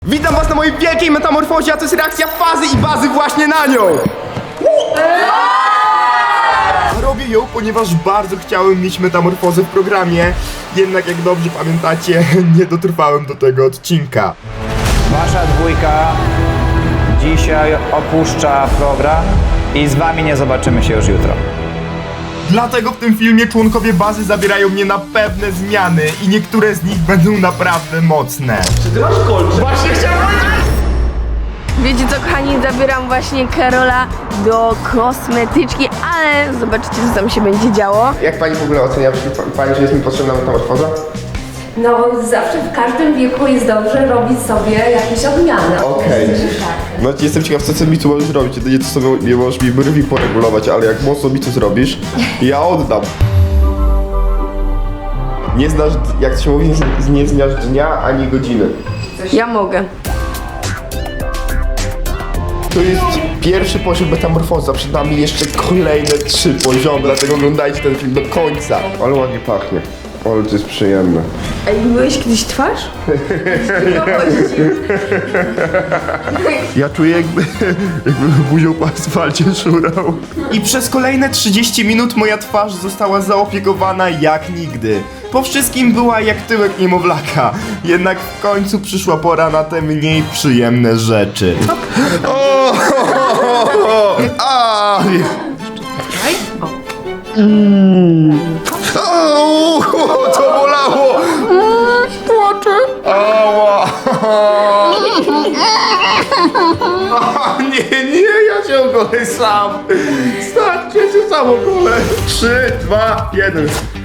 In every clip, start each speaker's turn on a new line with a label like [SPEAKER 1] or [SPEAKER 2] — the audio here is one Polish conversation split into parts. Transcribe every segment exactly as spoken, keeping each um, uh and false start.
[SPEAKER 1] Witam was na mojej wielkiej metamorfozie, a to jest reakcja Fazy i Bazy właśnie na nią! A robię ją, ponieważ bardzo chciałem mieć metamorfozę w programie, jednak jak dobrze pamiętacie, nie dotrwałem do tego odcinka.
[SPEAKER 2] Wasza dwójka dzisiaj opuszcza program i z wami nie zobaczymy się już jutro.
[SPEAKER 1] Dlatego w tym filmie członkowie bazy zabierają mnie na pewne zmiany i niektóre z nich będą naprawdę mocne.
[SPEAKER 3] Wiecie co, kochani, zabieram właśnie Karola do kosmetyczki, ale zobaczycie, co tam się będzie działo.
[SPEAKER 1] Jak pani w ogóle ocenia, pani, że jest mi potrzebna metamorfoza?
[SPEAKER 4] No zawsze w każdym wieku jest dobrze robić sobie jakieś odmiany.
[SPEAKER 1] Okej.
[SPEAKER 4] Tak.
[SPEAKER 1] No jestem ciekaw, co ty mi tu możesz zrobić. Jedynie to sobie nie możesz mi brwi poregulować, ale jak mocno mi to zrobisz, ja oddam. Nie znasz, jak to się mówi, nie, nie znasz dnia ani godziny.
[SPEAKER 3] Ja mogę.
[SPEAKER 1] To jest pierwszy poziom metamorfoza, przed nami jeszcze kolejne trzy poziomy, dlatego oglądajcie ten film do końca. Ale ładnie pachnie, ale to jest przyjemne.
[SPEAKER 3] Ej, myłeś kiedyś twarz?
[SPEAKER 1] Ja czuję jakby, jakby buzią po asfalcie szurał. I przez kolejne trzydzieści minut moja twarz została zaopiekowana jak nigdy. Po wszystkim była jak tyłek niemowlaka. Jednak w końcu przyszła pora na te mniej przyjemne rzeczy. O, o, o, o, a, o, to bolało! Płaczę! Ała! O, nie, nie, ja się ogolę sam! Starcie się sam ogolę! Trzy, dwa, jeden.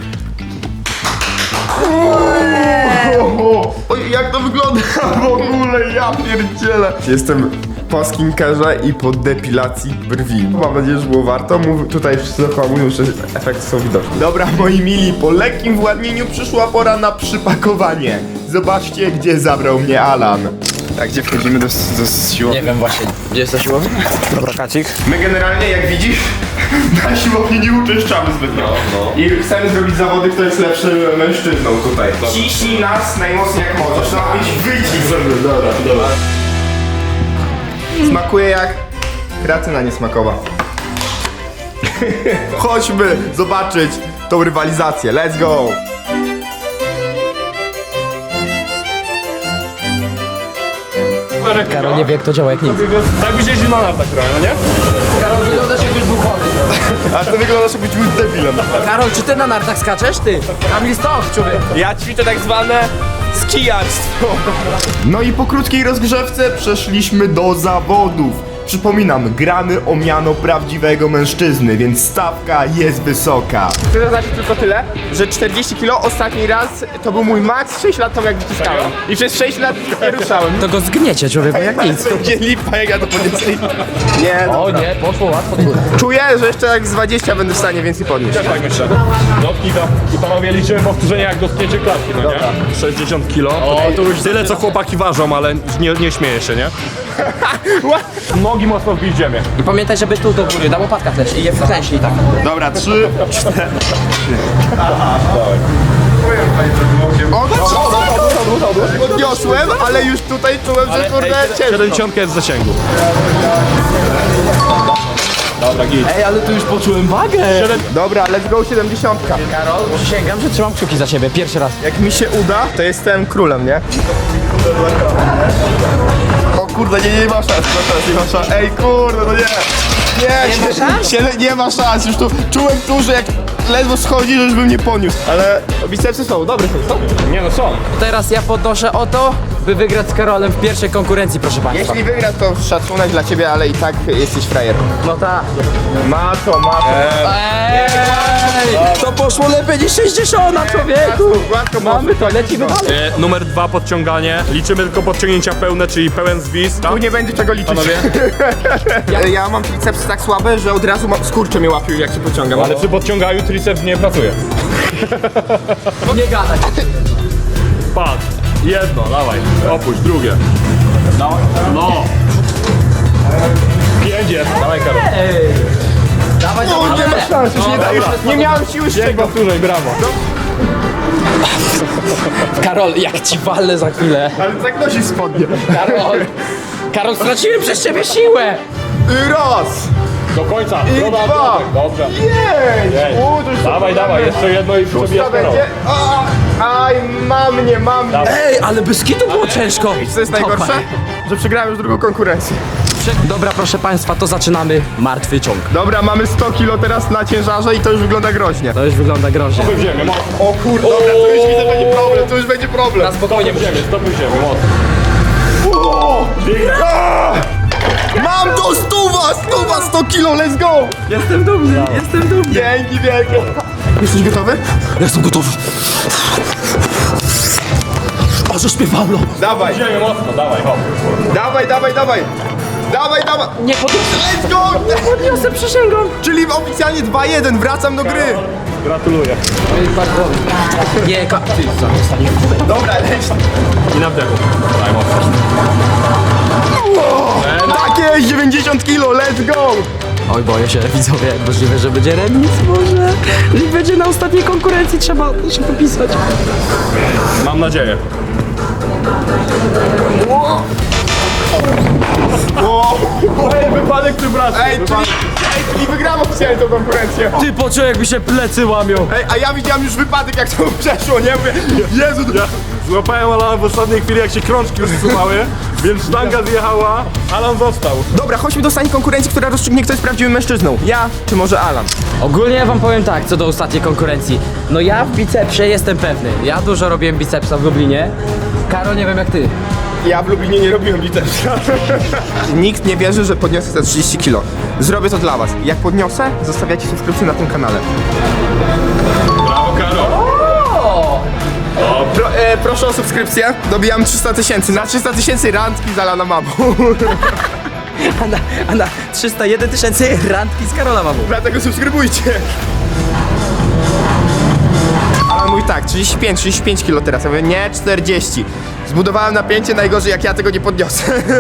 [SPEAKER 1] Oj, jak to wygląda w ogóle, ja pierdzielę! Jestem po skinkerze i po depilacji brwi. Mam nadzieję, że było warto. Mów, tutaj wszyscy dookoła mówią, że efekty są widoczne. Dobra, moi mili, po lekkim władnieniu przyszła pora na przypakowanie. Zobaczcie, gdzie zabrał mnie Alan. A gdzie wchodzimy do, do siłowni?
[SPEAKER 5] Nie wiem właśnie, gdzie jest ta siłownia?
[SPEAKER 2] Dobra, Kacik.
[SPEAKER 1] My generalnie, jak widzisz, na siłowni nie uczęszczamy zbytnio. No. I chcemy zrobić zawody, kto jest lepszy mężczyzną tutaj. Ciśnij nas najmocniej jak możesz. No być wyjdź sobie. Dobra, dobra. Smakuje jak kreatyna niesmakowa. Chodźmy zobaczyć tą rywalizację. Let's go!
[SPEAKER 5] Karol nie wie jak to działa jak nic.
[SPEAKER 6] Tak byś jeździł na nartach trochę, no nie?
[SPEAKER 5] Karol, wyglądasz jakbyś był chory.
[SPEAKER 1] A to wyglądasz jakbyś był debilem.
[SPEAKER 5] Karol, czy ty na nartach skaczesz? Ty? Kamil stąd, człowiek.
[SPEAKER 6] Ja ćwiczę tak zwane skijarstwo.
[SPEAKER 1] No i po krótkiej rozgrzewce przeszliśmy do zawodów. Przypominam, gramy o miano prawdziwego mężczyzny, więc stawka jest wysoka.
[SPEAKER 6] Chcę zaznaczyć tylko tyle, że czterdzieści kilo ostatni raz to był mój max, sześć lat temu jak wyciskałem. I przez sześć lat nie ruszałem.
[SPEAKER 5] To go zgniecie, człowieku, jak nic.
[SPEAKER 6] Będzie lipa, jak ja to podniosę. Nie,
[SPEAKER 5] O nie, poszło łatwo.
[SPEAKER 6] czuję, że jeszcze jak z dwadzieścia będę w stanie więcej podnieść.
[SPEAKER 7] Tak myślę. Dotknij to. I panowie liczymy powtórzenia jak dotknięcie klatki, no nie? sześćdziesiąt kilo. O, to już tyle co chłopaki ważą, ale nie, nie śmieję się, nie? Nogi mocno wbij w ziemię.
[SPEAKER 5] I pamiętaj, żeby tu do góry, na łopatkach też i je wklęśnij tak.
[SPEAKER 1] Dobra, trzy, cztery. O, no, podniosłem, ale już tutaj czułem, że kurde ciężko.
[SPEAKER 7] siedemdziesiąt jest w zasięgu. Dobra, git.
[SPEAKER 5] Ej, ale tu już poczułem wagę.
[SPEAKER 1] Dobra, let's go siedemdziesiątka.
[SPEAKER 5] Karol, przysięgam, że trzymam kciuki za ciebie, pierwszy raz.
[SPEAKER 1] Jak mi się uda, to jestem królem, nie? O kurde, nie, nie ma szans, nie ma szans, nie ma szans. Ej kurde, no nie! Nie,
[SPEAKER 5] Nie ma
[SPEAKER 1] się,
[SPEAKER 5] szans?
[SPEAKER 1] się, nie ma szans, już tu czułem tu, że jak ledwo schodzi, że już bym nie poniósł. Ale bicepsy są, dobre są, są.
[SPEAKER 7] Nie no są.
[SPEAKER 5] Teraz ja podnoszę o to, by wygrać z Karolem w pierwszej konkurencji, proszę państwa.
[SPEAKER 1] Jeśli wygra, to szacunek dla ciebie, ale i tak jesteś frajer.
[SPEAKER 5] No tak.
[SPEAKER 1] Ma to, ma to.
[SPEAKER 5] Ej, to poszło lepiej niż sześćdziesiąt, człowieku.
[SPEAKER 1] Gładko
[SPEAKER 5] Mamy to, lecimy dalej.
[SPEAKER 7] E, numer dwa podciąganie. Liczymy tylko podciągnięcia pełne, czyli pełen zwis.
[SPEAKER 1] Tu nie będzie czego liczyć.
[SPEAKER 7] Panowie?
[SPEAKER 1] Ja mam tricepsy tak słabe, że od razu ma- skurcze mnie łapią, jak się pociągam.
[SPEAKER 7] Ale przy podciąganiu triceps nie pracuje.
[SPEAKER 5] Nie gadać.
[SPEAKER 7] Patrz. Jedno, dawaj. Opuść, drugie. No. No. Pięć jest. Dawaj, Karol.
[SPEAKER 5] Dawaj,
[SPEAKER 1] O, nie ma szans, już nie, da, już nie miałem siły z
[SPEAKER 7] Pięć
[SPEAKER 1] czego.
[SPEAKER 7] powtórzeń, brawo.
[SPEAKER 5] Karol, jak ci walę za chwilę.
[SPEAKER 1] Ale tak nosi spodnie.
[SPEAKER 5] Karol, Karol, straciłem przez ciebie siłę.
[SPEAKER 1] I raz!
[SPEAKER 7] Do końca.
[SPEAKER 1] I
[SPEAKER 7] Dobra,
[SPEAKER 1] dwa!
[SPEAKER 7] Piotrek, dobrze.
[SPEAKER 1] Jej!
[SPEAKER 7] Jej.
[SPEAKER 1] U, to już
[SPEAKER 7] Dawaj,
[SPEAKER 1] to
[SPEAKER 7] dawaj, jeszcze jedno i przebijasz
[SPEAKER 1] To będzie... A, aj, mam mnie, mam mnie.
[SPEAKER 5] Ej, ale bez kitu było ciężko.
[SPEAKER 1] I co jest najgorsze? Że przegrałem już drugą konkurencję.
[SPEAKER 5] Dobra, proszę państwa, to zaczynamy martwy ciąg.
[SPEAKER 1] Dobra, mamy sto kilo teraz na ciężarze i to już wygląda groźnie.
[SPEAKER 5] To już wygląda groźnie.
[SPEAKER 7] Stopy w ziemię, mocno.
[SPEAKER 1] O kurde, dobra, to już widzę, będzie problem, to już będzie problem.
[SPEAKER 5] Na spokojnie,
[SPEAKER 7] W ziemię, stopy w ziemię, mocno.
[SPEAKER 1] A! Mam to stuwa, stuwa, sto kilo, let's go!
[SPEAKER 5] Jestem dumny, jestem dumny.
[SPEAKER 1] Dzięki wielkie. Jesteś gotowy?
[SPEAKER 5] Jestem gotowy. O, że śpiewalo.
[SPEAKER 1] Dawaj,
[SPEAKER 7] W ziemię, mocno, dawaj, hop.
[SPEAKER 1] dawaj, dawaj, dawaj. Dawaj, dawaj.
[SPEAKER 5] Nie podniosę.
[SPEAKER 1] Let's go!
[SPEAKER 5] Podniosę, przysięgam.
[SPEAKER 1] Czyli oficjalnie dwa jeden, wracam do gry.
[SPEAKER 7] Gratuluję.
[SPEAKER 5] Nie, ka... Ty, zostanie.
[SPEAKER 1] Dobra, leć.
[SPEAKER 7] I na wdechu. Daj mocno.
[SPEAKER 1] Takie dziewięćdziesiąt kilo, let's go!
[SPEAKER 5] Oj, boję się, widzowie, możliwe, że będzie remis, może. I będzie na ostatniej konkurencji, trzeba się popisać.
[SPEAKER 7] Mam nadzieję. Ej, wypadek tym razem.
[SPEAKER 1] Ej, czyli, ej, czyli wygram oficjalnie tą konkurencję.
[SPEAKER 5] Ty poczuł, jakby się plecy łamią.
[SPEAKER 1] Ej, a ja widziałem już wypadek, jak to przeszło, nie? Mówię, Jezu,
[SPEAKER 7] Ja złapałem Alana w ostatniej chwili, jak się krążki rozsuwały, więc sztanga zjechała, Alan został.
[SPEAKER 1] Dobra, chodźmy do ostatniej konkurencji, która rozstrzygnie, kto jest prawdziwym mężczyzną. Ja, czy może Alan?
[SPEAKER 5] Ogólnie ja wam powiem tak, co do ostatniej konkurencji. No ja w bicepsie jestem pewny. Ja dużo robiłem bicepsa w Lublinie. Karol, nie wiem jak ty.
[SPEAKER 1] Ja w Lublinie nie robiłem bicepsa. Nikt nie wierzy, że podniosę te trzydzieści kilo. Zrobię to dla was. Jak podniosę, zostawiacie subskrypcję na tym kanale.
[SPEAKER 7] Brawo, Karol.
[SPEAKER 1] Pro, e, proszę o subskrypcję. Dobijam trzysta tysięcy. Na trzysta tysięcy randki z Alana mamą.
[SPEAKER 5] A na, a na trzysta jeden tysięcy randki z Karola mamu.
[SPEAKER 1] Dlatego subskrybujcie. Alan mówi tak, trzydzieści pięć, trzydzieści pięć kilo teraz. Ja mówię, nie, czterdzieści. Zbudowałem napięcie, najgorzej jak ja tego nie podniosę.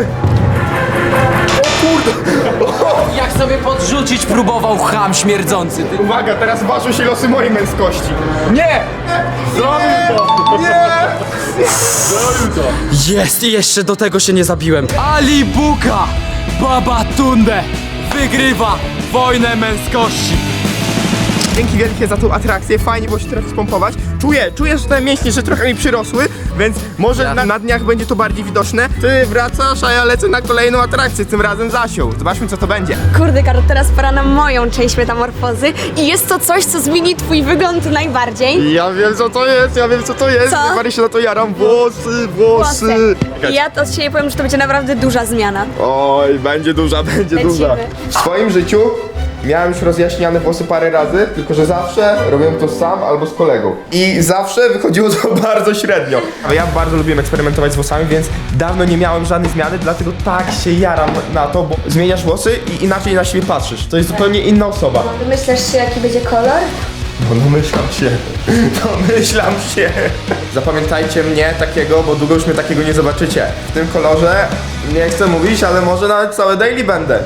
[SPEAKER 5] Jak sobie podrzucić próbował cham śmierdzący. Ty.
[SPEAKER 1] Uwaga, teraz ważą się losy mojej męskości.
[SPEAKER 5] Nie!
[SPEAKER 7] Zrobił to.
[SPEAKER 1] Nie!
[SPEAKER 7] Zrobił to.
[SPEAKER 5] Jest i jeszcze do tego się nie zabiłem. Ali Buka Babatunde wygrywa wojnę męskości.
[SPEAKER 1] Dzięki wielkie za tą atrakcję, fajnie było się trochę spompować. Czuję, czuję, że te mięśnie, że trochę mi przyrosły, więc może
[SPEAKER 5] Ja-
[SPEAKER 1] na, na dniach będzie to bardziej widoczne. Ty wracasz, a ja lecę na kolejną atrakcję, tym razem Zasią. Zobaczmy, co to będzie.
[SPEAKER 3] Kurde, Karol, teraz pora na moją część metamorfozy i jest to coś, co zmieni twój wygląd najbardziej.
[SPEAKER 1] Ja wiem, co to jest, ja wiem, co to jest.
[SPEAKER 3] Co?
[SPEAKER 1] Najbardziej się na to jaram. Włosy, włosy.
[SPEAKER 3] I ja to od siebie powiem, że to będzie naprawdę duża zmiana.
[SPEAKER 1] Oj, będzie duża, będzie
[SPEAKER 3] Lecimy.
[SPEAKER 1] duża. W swoim życiu miałem już rozjaśniane włosy parę razy, tylko że zawsze robiłem to sam albo z kolegą. I zawsze wychodziło to bardzo średnio. Ale ja bardzo lubiłem eksperymentować z włosami, więc dawno nie miałem żadnej zmiany, dlatego tak się jaram na to, bo zmieniasz włosy i inaczej na siebie patrzysz. To jest zupełnie inna osoba.
[SPEAKER 3] Myślisz się, jaki będzie kolor?
[SPEAKER 1] No domyślam się, domyślam się. Zapamiętajcie mnie takiego, bo długo już mnie takiego nie zobaczycie. W tym kolorze nie chcę mówić, ale może nawet całe daily będę.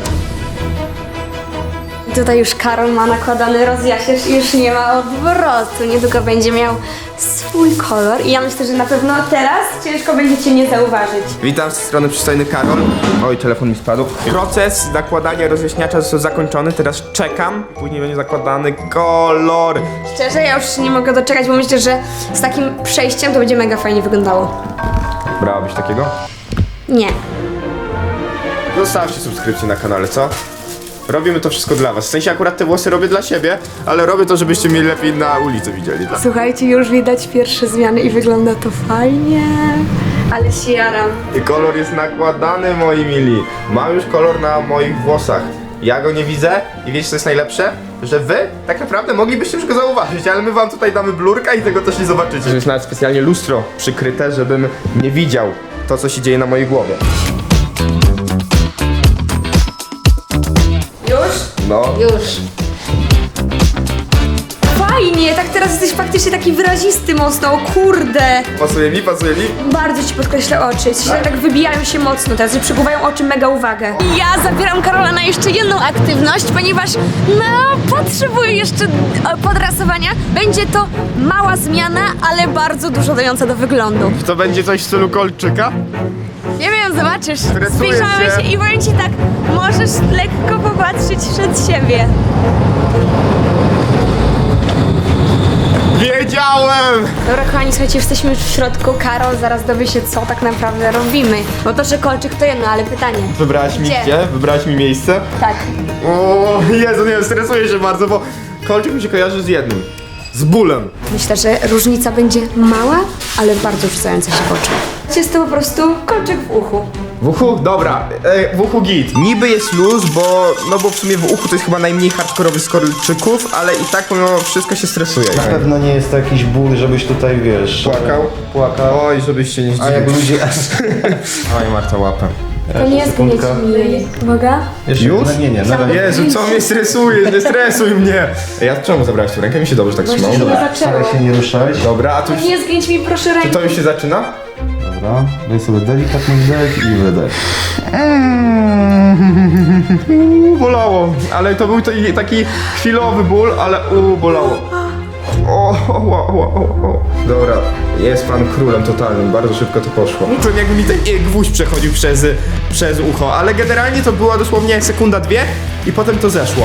[SPEAKER 3] Tutaj już Karol ma nakładany rozjaśniacz i już nie ma odwrotu. Niedługo będzie miał swój kolor i ja myślę, że na pewno teraz ciężko będzie cię nie zauważyć.
[SPEAKER 1] Witam z tej strony przystojny Karol. Oj, telefon mi spadł. Proces nakładania rozjaśniacza został zakończony, teraz czekam. Później będzie zakładany kolor.
[SPEAKER 3] Szczerze, ja już się nie mogę doczekać, bo myślę, że z takim przejściem to będzie mega fajnie wyglądało.
[SPEAKER 1] Brałabyś takiego?
[SPEAKER 3] Nie.
[SPEAKER 1] Zostawcie subskrypcję na kanale, co? Robimy to wszystko dla was. W sensie akurat te włosy robię dla siebie, ale robię to, żebyście mnie lepiej na ulicy widzieli. Tak?
[SPEAKER 3] Słuchajcie, już widać pierwsze zmiany i wygląda to fajnie. Ale się jaram.
[SPEAKER 1] I kolor jest nakładany, moi mili. Mam już kolor na moich włosach. Ja go nie widzę i wiecie co jest najlepsze? Że wy tak naprawdę moglibyście już go zauważyć, ale my wam tutaj damy blurka i tego też nie zobaczycie. To jest nawet specjalnie lustro przykryte, żebym nie widział to, co się dzieje na mojej głowie.
[SPEAKER 3] Już?
[SPEAKER 1] No.
[SPEAKER 3] Już. fajnie, tak teraz jesteś faktycznie taki wyrazisty mocno, o kurde.
[SPEAKER 1] Pasuje mi, pasuje mi.
[SPEAKER 3] Bardzo ci podkreślę oczy, coś tak wybijają się mocno teraz, że przykuwają oczy mega uwagę. Ja zabieram Karola na jeszcze jedną aktywność, ponieważ no, potrzebuję jeszcze e, podrasowania. Będzie to mała zmiana, ale bardzo dużo dająca do wyglądu.
[SPEAKER 1] To będzie coś w stylu kolczyka?
[SPEAKER 3] Nie wiem, zobaczysz.
[SPEAKER 1] Stresuję
[SPEAKER 3] Zbliżamy
[SPEAKER 1] się.
[SPEAKER 3] się i powiem ci tak, możesz lekko popatrzeć przed siebie.
[SPEAKER 1] Wiedziałem!
[SPEAKER 3] Dobra, kochani, słuchajcie, jesteśmy już w środku. Karol zaraz dowie się, co tak naprawdę robimy. Bo to, że kolczyk to jedno, ale pytanie.
[SPEAKER 1] Wybrałaś mi
[SPEAKER 3] Gdzie?
[SPEAKER 1] gdzie? Wybrałaś mi miejsce?
[SPEAKER 3] Tak.
[SPEAKER 1] O Jezu, nie wiem, stresuję się bardzo, bo kolczyk mi się kojarzy z jednym. Z bólem.
[SPEAKER 3] Myślę, że różnica będzie mała, ale bardzo rzucająca się w oczy. Jest to po prostu kolczyk w uchu.
[SPEAKER 1] W uchu? Dobra, e, w uchu git. Niby jest luz, bo, no bo w sumie w uchu to jest chyba najmniej hardkorowy z kolczyków, ale i tak mimo wszystko się stresuje.
[SPEAKER 8] Na pewno nie jest to jakiś ból, żebyś tutaj, wiesz...
[SPEAKER 1] Płakał?
[SPEAKER 8] Płakał.
[SPEAKER 1] Oj, żebyś się nie
[SPEAKER 8] A jak
[SPEAKER 1] zdziwił.
[SPEAKER 8] ludzie...
[SPEAKER 1] Oj, Marta, łapę.
[SPEAKER 3] To nie jest gnieć mi. Uwaga.
[SPEAKER 8] Jeszcze
[SPEAKER 1] Już?
[SPEAKER 8] No, nie, nie, na razie.
[SPEAKER 1] Jezu, co mnie stresuje? Nie stresuj mnie! Ja czemu zabrałeś tu rękę? Mi się dobrze tak trzymało.
[SPEAKER 8] Staraj się nie ruszać.
[SPEAKER 1] Dobra, a tu już,
[SPEAKER 3] Nie zgnieć mi proszę
[SPEAKER 1] czy
[SPEAKER 3] rękę.
[SPEAKER 1] to już się zaczyna?
[SPEAKER 8] Dobra, daj sobie delikatny wdech i wydech.
[SPEAKER 1] Uuu, bolało, ale to był taki, taki chwilowy ból, ale uuu, bolało. O, o, o, o, o, o. Dobra, jest pan królem totalnym, bardzo szybko to poszło. Czułem jakby mi ten gwóźdź przechodził przez, przez ucho, ale generalnie to była dosłownie sekunda, dwie i potem to zeszło.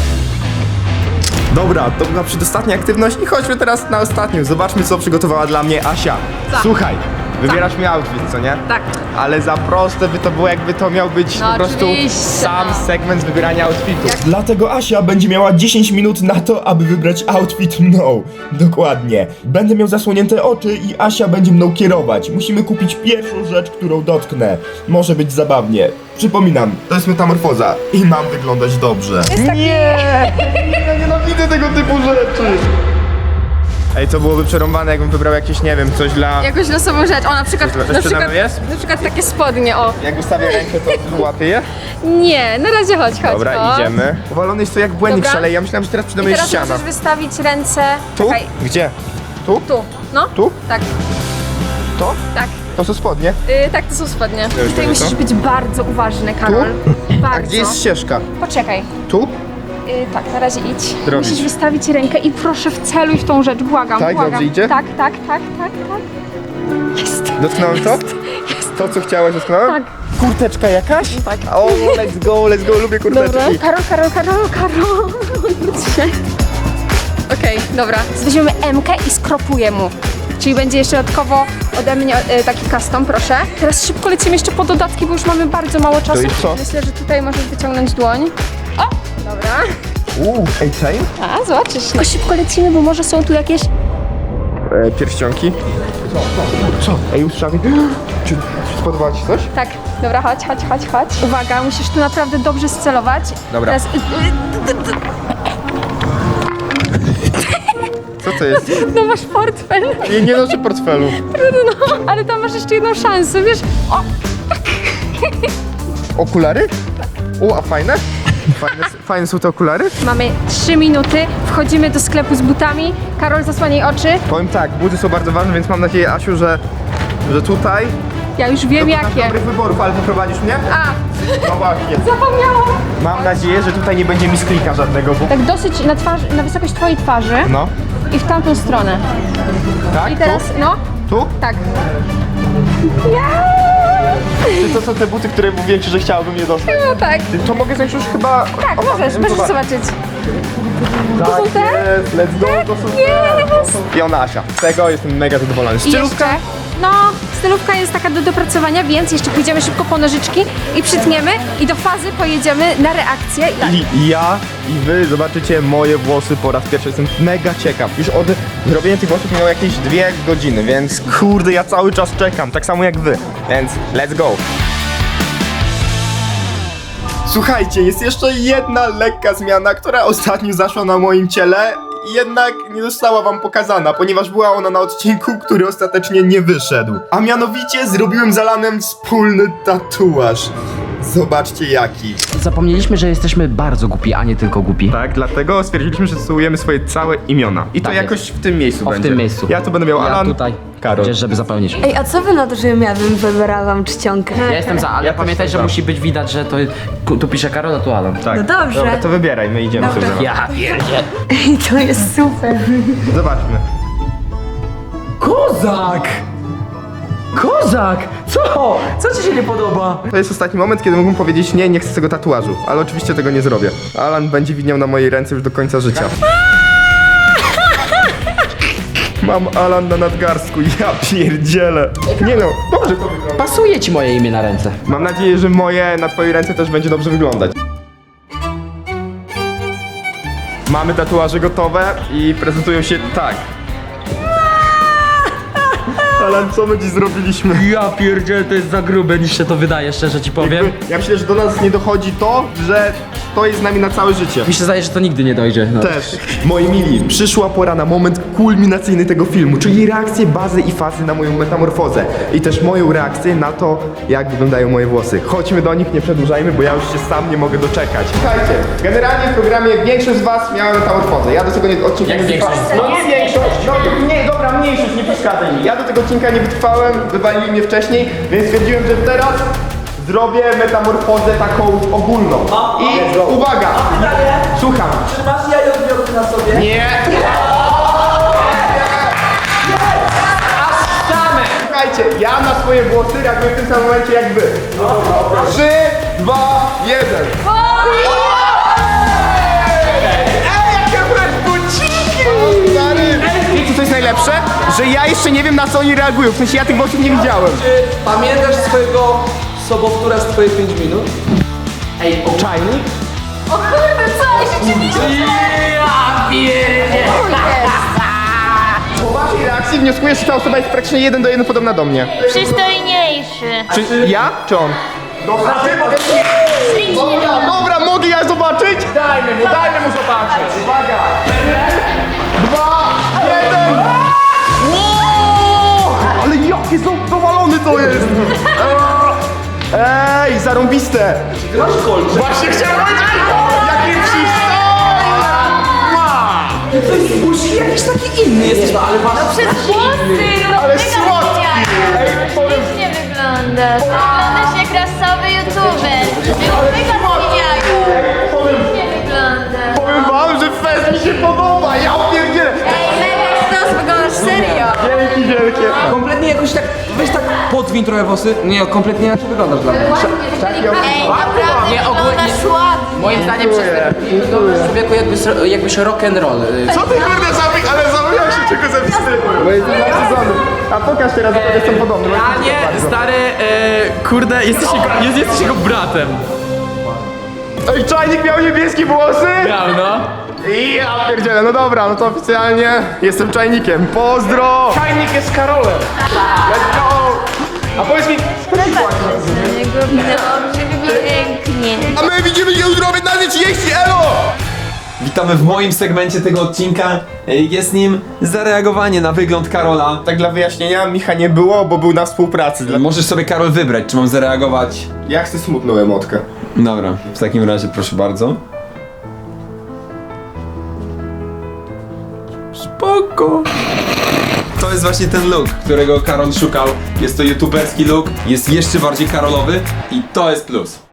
[SPEAKER 1] Dobra, to była przedostatnia aktywność i chodźmy teraz na ostatnią. Zobaczmy, co przygotowała dla mnie Asia. Słuchaj, wybierasz mi outfit, co nie?
[SPEAKER 9] Tak.
[SPEAKER 1] Ale za proste by to było, jakby to miał być
[SPEAKER 9] No
[SPEAKER 1] po prostu
[SPEAKER 9] oczywiście,
[SPEAKER 1] sam
[SPEAKER 9] no.
[SPEAKER 1] segment wybierania outfitu. Dlatego Asia będzie miała dziesięć minut na to, aby wybrać outfit mną. Dokładnie. Będę miał zasłonięte oczy i Asia będzie mną kierować. Musimy kupić pierwszą rzecz, którą dotknę. Może być zabawnie. Przypominam, to jest metamorfoza i mam wyglądać dobrze. Nie! Ja nienawidzę tego typu rzeczy. Ej, to byłoby przerąbane, jakbym wybrał jakieś, nie wiem, coś dla...
[SPEAKER 9] Jakąś losową rzecz. O, na przykład,
[SPEAKER 1] Coś
[SPEAKER 9] na
[SPEAKER 1] przede
[SPEAKER 9] przykład,
[SPEAKER 1] mną jest?
[SPEAKER 9] na przykład takie spodnie, o.
[SPEAKER 1] Jak ustawię rękę, to łapię je?
[SPEAKER 9] Nie, na razie chodź, chodź.
[SPEAKER 1] Dobra,
[SPEAKER 9] o.
[SPEAKER 1] idziemy. Uwalony jest to jak błędnik
[SPEAKER 9] Dobra.
[SPEAKER 1] szaleje. Ja myślałem, że teraz przede mną
[SPEAKER 9] I
[SPEAKER 1] jest
[SPEAKER 9] teraz
[SPEAKER 1] ściana.
[SPEAKER 9] możesz wystawić ręce.
[SPEAKER 1] Tu?
[SPEAKER 9] Czekaj,
[SPEAKER 1] Gdzie? Tu?
[SPEAKER 9] tu. No?
[SPEAKER 1] Tu?
[SPEAKER 9] Tak,
[SPEAKER 1] To?
[SPEAKER 9] tak.
[SPEAKER 1] To są spodnie.
[SPEAKER 9] Y, tak, to są spodnie.
[SPEAKER 1] już
[SPEAKER 9] Tutaj
[SPEAKER 1] będzie,
[SPEAKER 9] musisz
[SPEAKER 1] co?
[SPEAKER 9] być bardzo uważny, Karol. Bardzo.
[SPEAKER 1] A gdzie jest ścieżka?
[SPEAKER 9] Poczekaj.
[SPEAKER 1] Tu?
[SPEAKER 9] Y, tak, na razie idź.
[SPEAKER 1] Robić.
[SPEAKER 9] Musisz wystawić rękę i proszę wceluj w tą rzecz, błagam,
[SPEAKER 1] Tak,
[SPEAKER 9] błagam.
[SPEAKER 1] dobrze idzie?
[SPEAKER 9] Tak, tak, tak, tak, tak. Jest.
[SPEAKER 1] Dotknąłem to? To, co chciałaś, dotknąłem?
[SPEAKER 9] Tak.
[SPEAKER 1] Kurteczka jakaś?
[SPEAKER 9] Tak.
[SPEAKER 1] O, let's go, let's go, lubię
[SPEAKER 9] Dobra.
[SPEAKER 1] kurteczki.
[SPEAKER 9] Karol, Karol, Karol, Karol. Odwróć się. Okej, dobra. Weźmiemy M-kę i skropuję mu. Czyli będzie jeszcze dodatkowo ode mnie e, taki custom, proszę. Teraz szybko lecimy jeszcze po dodatki, bo już mamy bardzo mało czasu.
[SPEAKER 1] jest co?
[SPEAKER 9] Myślę, że tutaj możesz wyciągnąć dłoń. O! Dobra.
[SPEAKER 1] Uuu, ej, chain?
[SPEAKER 9] A, zobaczysz. Tylko szybko lecimy, bo może są tu jakieś...
[SPEAKER 1] E, pierścionki. Co? Co? Ej, usłyszałem. Czy, czy spodobało ci coś?
[SPEAKER 9] Tak, dobra, chodź, chodź, chodź, chodź. Uwaga, musisz tu naprawdę dobrze scelować.
[SPEAKER 1] Dobra.
[SPEAKER 9] Teraz...
[SPEAKER 1] Co to jest?
[SPEAKER 9] No masz portfel.
[SPEAKER 1] Nie, nie noszę portfelu.
[SPEAKER 9] No, ale tam masz jeszcze jedną szansę, wiesz? O!
[SPEAKER 1] Okulary? U, a fajne? Fajne, fajne są te okulary?
[SPEAKER 9] Mamy trzy minuty, wchodzimy do sklepu z butami. Karol, zasłaniaj oczy.
[SPEAKER 1] Powiem tak, buty są bardzo ważne, więc mam nadzieję, Asiu, że, że tutaj
[SPEAKER 9] Ja już wiem
[SPEAKER 1] dokonam
[SPEAKER 9] jakie.
[SPEAKER 1] dobrych wyborów, ale poprowadzisz mnie?
[SPEAKER 9] A,
[SPEAKER 1] No właśnie.
[SPEAKER 9] zapomniałam.
[SPEAKER 1] Mam nadzieję, że tutaj nie będzie mi sklika żadnego, bo...
[SPEAKER 9] Tak dosyć na twarzy, na wysokość twojej twarzy
[SPEAKER 1] No.
[SPEAKER 9] i w tamtą stronę.
[SPEAKER 1] Tak?
[SPEAKER 9] I teraz, no,
[SPEAKER 1] Tu? Tu?
[SPEAKER 9] tak.
[SPEAKER 1] Czy to są te buty, które mówiłem ci, że chciałabym je dostać?
[SPEAKER 9] No tak.
[SPEAKER 1] To mogę zająć już chyba...
[SPEAKER 9] Tak, możesz, możesz zobaczyć.
[SPEAKER 1] Tak
[SPEAKER 9] są te?
[SPEAKER 1] jest, let's go, to są te. To są... I ona Asia. Z tego jestem mega zadowolony.
[SPEAKER 9] I
[SPEAKER 1] Stylówka?
[SPEAKER 9] jeszcze, no, stylówka jest taka do dopracowania, więc jeszcze pójdziemy szybko po nożyczki i przytniemy i do fazy pojedziemy na reakcję.
[SPEAKER 1] I ja i wy zobaczycie moje włosy po raz pierwszy. Jestem mega ciekaw. Już od zrobienia tych włosów minęło jakieś dwie godziny, więc kurde, ja cały czas czekam, tak samo jak wy. Więc let's go. Słuchajcie, jest jeszcze jedna lekka zmiana, która ostatnio zaszła na moim ciele, jednak nie została wam pokazana, ponieważ była ona na odcinku, który ostatecznie nie wyszedł. A mianowicie zrobiłem z Alanem wspólny tatuaż. Zobaczcie jaki.
[SPEAKER 5] zapomnieliśmy, że jesteśmy bardzo głupi, a nie tylko głupi.
[SPEAKER 1] Tak, dlatego stwierdziliśmy, że tytułujemy swoje całe imiona. I to
[SPEAKER 5] Tak
[SPEAKER 1] jakoś
[SPEAKER 5] jest.
[SPEAKER 1] w tym miejscu
[SPEAKER 5] O, w
[SPEAKER 1] będzie.
[SPEAKER 5] tym miejscu.
[SPEAKER 1] Ja tu będę miał
[SPEAKER 5] Ja
[SPEAKER 1] Alan,
[SPEAKER 5] tutaj,
[SPEAKER 1] Karol.
[SPEAKER 5] gdzieś, żeby zapełnić.
[SPEAKER 3] Ej, a co wy na to, żebym ja bym wybrała wam czcionkę?
[SPEAKER 5] Ja jestem za, ale
[SPEAKER 1] Ja też
[SPEAKER 5] pamiętaj, że
[SPEAKER 1] jestem za.
[SPEAKER 5] musi być widać, że to tu pisze Karol, a tu Alan.
[SPEAKER 1] Tak.
[SPEAKER 3] No dobrze.
[SPEAKER 1] Dobra, to wybieraj, my idziemy
[SPEAKER 3] Dobra.
[SPEAKER 1] sobie.
[SPEAKER 5] Ja pierdzie.
[SPEAKER 3] Ej, to jest super.
[SPEAKER 1] Zobaczmy.
[SPEAKER 5] Kozak! Kozak! Co? Co ci się nie podoba?
[SPEAKER 1] To jest ostatni moment, kiedy mógłbym powiedzieć nie, nie chcę tego tatuażu. Ale oczywiście tego nie zrobię. Alan będzie widniał na mojej ręce już do końca życia. Mam Alan na nadgarstku, ja pierdzielę. Nie no, dobrze to wygląda.
[SPEAKER 5] Pasuje ci moje imię na ręce.
[SPEAKER 1] Mam nadzieję, że moje na twojej ręce też będzie dobrze wyglądać. Mamy tatuaże gotowe i prezentują się tak. Alan, co my dziś zrobiliśmy?
[SPEAKER 5] Ja pierdzielę, to jest za grube niż się to wydaje, szczerze ci powiem.
[SPEAKER 1] Jakby, ja myślę, że do nas nie dochodzi to, że to jest z nami na całe życie.
[SPEAKER 5] Mi się zdaje, że to nigdy nie dojdzie. No.
[SPEAKER 1] Też. Moi mili, przyszła pora na moment kulminacyjny tego filmu, czyli reakcję bazy i fazy na moją metamorfozę. I też moją reakcję na to, jak wyglądają moje włosy. Chodźmy do nich, nie przedłużajmy, bo ja już się sam nie mogę doczekać. Słuchajcie, generalnie w programie większość z was miała metamorfozę. Ja do tego nie, odcinka
[SPEAKER 5] Jak
[SPEAKER 1] nie
[SPEAKER 5] większość
[SPEAKER 1] wytrwałem. No nie większość, no to nie, dobra, mniejszość, nie przeszkadzaj mi. Ja do tego odcinka nie wytrwałem, wywalili mnie wcześniej, więc stwierdziłem, że teraz zrobię metamorfozę taką ogólną. I uwaga, słucham.
[SPEAKER 5] Czy masz jajo odbiorcy na sobie?
[SPEAKER 1] Nie! Słuchajcie, ja na swoje włosy reaguję w tym samym momencie jak wy. Trzy, dwa, jeden. Ej, jakie buciki! Wiecie co jest najlepsze? Że ja jeszcze nie wiem na co oni reagują, w sensie ja tych włosów nie widziałem.
[SPEAKER 10] Pamiętasz swojego sobowtóra z twoich pięć minut?
[SPEAKER 5] Ej, czajnik?
[SPEAKER 3] O kurde, co? Rzeczywiście!
[SPEAKER 5] Ja pierdzie!
[SPEAKER 1] Po waszej reakcji wnioskuję, że ta osoba jest praktycznie jeden do jeden podobna do mnie.
[SPEAKER 11] Przystojniejszy.
[SPEAKER 1] Czy ja, czy on? Dobra, ty mogę... Dobra, dobra, mogę ja zobaczyć? Dajmy mu, dajmy mu zobaczyć. Uwaga! Dwa, jeden! Wow! Ale jakie są powalony to jest! Ej, zarąbiste! Właśnie chciałem powiedzieć! Jakie przystojne!
[SPEAKER 10] Musi jakiś taki inny jesteś, no ale masz...
[SPEAKER 11] Przez włosy, no
[SPEAKER 1] Ale
[SPEAKER 11] mega
[SPEAKER 1] słodki!
[SPEAKER 11] genialne.
[SPEAKER 1] Ej, powiem...
[SPEAKER 11] Ślicznie wyglądasz. Wyglądasz jak rasowy youtuber. Mega zmieniają.
[SPEAKER 1] Powiem,
[SPEAKER 11] Nie wyglądasz.
[SPEAKER 1] powiem wam, że fest mi się podoba! Ja pierdzielę!
[SPEAKER 3] Ej, mega stos, wyglądasz serio.
[SPEAKER 1] Dzięki wielkie!
[SPEAKER 10] Kompletnie jakoś tak, weź tak podwiń trochę włosy. Nie, kompletnie inaczej wyglądasz dla mnie.
[SPEAKER 3] Ej, naprawdę
[SPEAKER 5] Nie, ogólnie-
[SPEAKER 3] wyglądasz ładnie.
[SPEAKER 5] Moim zdaniem przez wyglądasz człowieku jakbyś, jakbyś rock'n'roll.
[SPEAKER 1] Co ty kurde zamyk, ale zapomniałem się czego zapisywać. Bo jest dwa sezony. A pokaż teraz, bo jestem podobny. bo
[SPEAKER 6] A
[SPEAKER 1] jestem
[SPEAKER 6] nie,
[SPEAKER 1] bardzo.
[SPEAKER 6] stary, e, kurde, jesteś jego, jest, jesteś jego bratem.
[SPEAKER 1] Ej, czajnik miał niebieskie włosy?
[SPEAKER 6] Miał, no.
[SPEAKER 1] I ja pierdzielę, no dobra, no to oficjalnie jestem czajnikiem. Pozdro! Czajnik jest Karolem. Let's go! A powiedz mi,
[SPEAKER 11] Dobrze, pięknie.
[SPEAKER 1] a my widzimy się jutro o piętnastej trzydzieści, elo!
[SPEAKER 10] Witamy w moim segmencie tego odcinka. Jest nim zareagowanie na wygląd Karola.
[SPEAKER 1] Tak dla wyjaśnienia, Micha nie było, bo był na współpracy. Dla...
[SPEAKER 10] Możesz sobie, Karol, wybrać, czy mam zareagować.
[SPEAKER 1] Ja chcę smutną emotkę.
[SPEAKER 10] Dobra, w takim razie proszę bardzo. Spoko. To jest właśnie ten look, którego Karol szukał. Jest to youtuberski look, jest jeszcze bardziej karolowy i to jest plus.